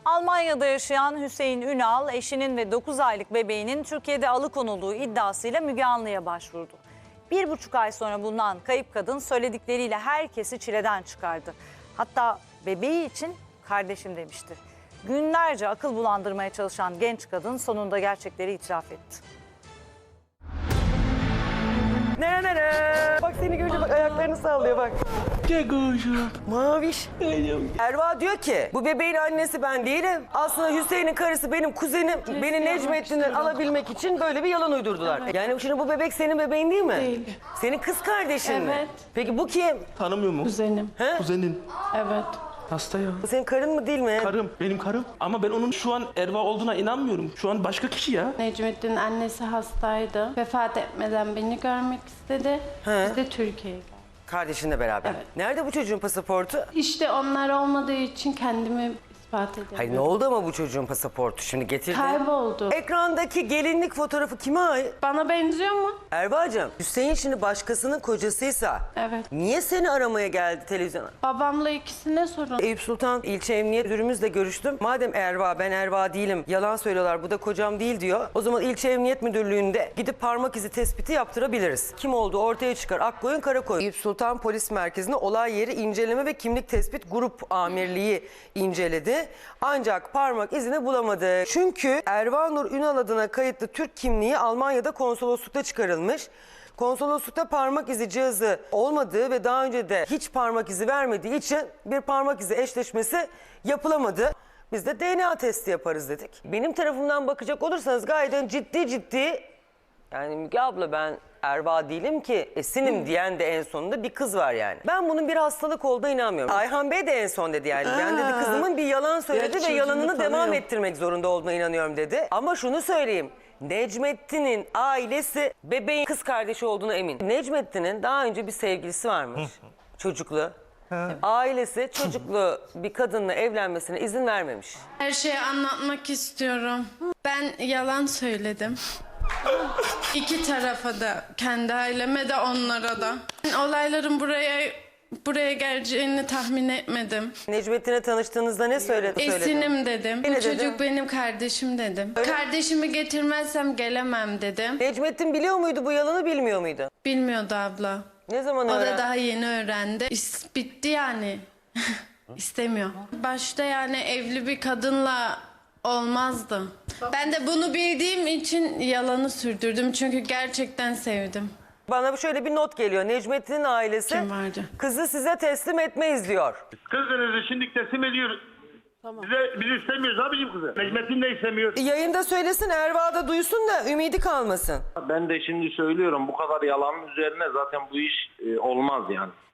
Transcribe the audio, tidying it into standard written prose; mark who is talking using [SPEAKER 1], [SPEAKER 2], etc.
[SPEAKER 1] Almanya'da yaşayan Hüseyin Ünal, eşinin ve 9 aylık bebeğinin Türkiye'de alıkonulduğu iddiasıyla Müge Anlı'ya başvurdu. 1,5 ay sonra bulunan kayıp kadın söyledikleriyle herkesi çileden çıkardı. Hatta bebeği için kardeşim demişti. Günlerce akıl bulandırmaya çalışan genç kadın sonunda gerçekleri itiraf etti.
[SPEAKER 2] Bak seni görünce bak ayaklarını sallıyor bak.
[SPEAKER 3] Gel kuşum.
[SPEAKER 2] Maviş.
[SPEAKER 3] Geliyorum.
[SPEAKER 2] Erva diyor ki bu bebeğin annesi ben değilim. Aslında Hüseyin'in karısı benim kuzenim. Beni Necmettin'den alabilmek için böyle bir yalan uydurdular.
[SPEAKER 4] Evet.
[SPEAKER 2] Yani şimdi bu bebek senin bebeğin değil mi?
[SPEAKER 4] Değil.
[SPEAKER 2] Senin kız kardeşin mi?
[SPEAKER 4] Evet.
[SPEAKER 2] Peki bu kim?
[SPEAKER 3] Tanımıyor mu?
[SPEAKER 4] Kuzenim.
[SPEAKER 2] He?
[SPEAKER 3] Kuzenin.
[SPEAKER 4] Evet.
[SPEAKER 3] Hasta ya.
[SPEAKER 2] Bu senin karın mı değil mi?
[SPEAKER 3] Karım. Benim karım. Ama ben onun şu an Erva olduğuna inanmıyorum. Şu an başka kişi ya.
[SPEAKER 4] Necmettin'in annesi hastaydı. Vefat etmeden beni görmek istedi.
[SPEAKER 2] He.
[SPEAKER 4] Biz de Türkiye'ye geldik.
[SPEAKER 2] Kardeşinle beraber.
[SPEAKER 4] Evet.
[SPEAKER 2] Nerede bu çocuğun pasaportu?
[SPEAKER 4] İşte onlar olmadığı için kendimi ispat edemiyorum.
[SPEAKER 2] Hayır ne oldu ama bu çocuğun pasaportu şimdi getirdi.
[SPEAKER 4] Kayboldu.
[SPEAKER 2] Ekrandaki gelinlik fotoğrafı kime ait?
[SPEAKER 4] Bana benziyor mu?
[SPEAKER 2] Erva'cığım Hüseyin şimdi başkasının kocasıysa
[SPEAKER 4] Evet.
[SPEAKER 2] niye seni aramaya geldi televizyona?
[SPEAKER 4] Babamla ikisine sorun.
[SPEAKER 2] Eyüp Sultan ilçe emniyet müdürümüzle görüştüm. Madem Erva ben Erva değilim yalan söylüyorlar bu da kocam değil diyor. O zaman ilçe emniyet müdürlüğünde gidip parmak izi tespiti yaptırabiliriz. Kim olduğu ortaya çıkar Akkoyun Karakoyun. Eyüp Sultan Polis Merkezi'nde olay yeri inceleme ve kimlik tespit grup amirliği inceledi. Ancak parmak izini bulamadı. Çünkü Erva Nur Ünal adına kayıtlı Türk kimliği Almanya'da konsoloslukta çıkarılmış. Konsoloslukta parmak izi cihazı olmadığı ve daha önce de hiç parmak izi vermediği için bir parmak izi eşleşmesi yapılamadı. Biz de DNA testi yaparız dedik. Benim tarafımdan bakacak olursanız gayet ciddi yani Müge abla ben Erva değilim ki esinim diyen de en sonunda bir kız var yani. Ben bunun bir hastalık olduğuna inanmıyorum. Ayhan Bey de en son dedi yani. Ben dedi kızımın bir yalan söyledi ve yalanını devam ettirmek zorunda olduğuna inanıyorum dedi. Ama şunu söyleyeyim. Necmettin'in ailesi bebeğin kız kardeşi olduğuna emin. Necmettin'in daha önce bir sevgilisi varmış. Çocuklu. Ailesi çocuklu bir kadınla evlenmesine izin vermemiş.
[SPEAKER 4] Her şeyi anlatmak istiyorum. Ben yalan söyledim. İki tarafa da, kendi aileme de onlara da. Olayların buraya geleceğini tahmin etmedim.
[SPEAKER 2] Necmettin'le tanıştığınızda ne söyledi?
[SPEAKER 4] Esinim dedim.
[SPEAKER 2] Ne
[SPEAKER 4] Bu
[SPEAKER 2] dedin?
[SPEAKER 4] çocuk benim kardeşim dedim. Kardeşimi getirmezsem gelemem dedim.
[SPEAKER 2] Necmettin biliyor muydu bu yalanı bilmiyor muydu?
[SPEAKER 4] Bilmiyordu abla.
[SPEAKER 2] Ne zaman
[SPEAKER 4] O
[SPEAKER 2] öğrendi?
[SPEAKER 4] da daha yeni öğrendi. Bitti yani. İstemiyor. Başta yani evli bir kadınla olmazdı. Ben de bunu bildiğim için yalanı sürdürdüm. Çünkü gerçekten sevdim.
[SPEAKER 2] Bana şöyle bir not geliyor. Necmettin'in ailesi
[SPEAKER 4] Kim vardı?
[SPEAKER 2] kızı size teslim etmeyiz diyor.
[SPEAKER 5] Kızınızı şimdi teslim ediyoruz. Biz istemiyoruz abicim kızı. Necmettin de istemiyor.
[SPEAKER 2] Yayında söylesin Erva da duysun da ümidi kalmasın.
[SPEAKER 5] Ben de şimdi söylüyorum bu kadar yalanın üzerine zaten bu iş olmaz yani.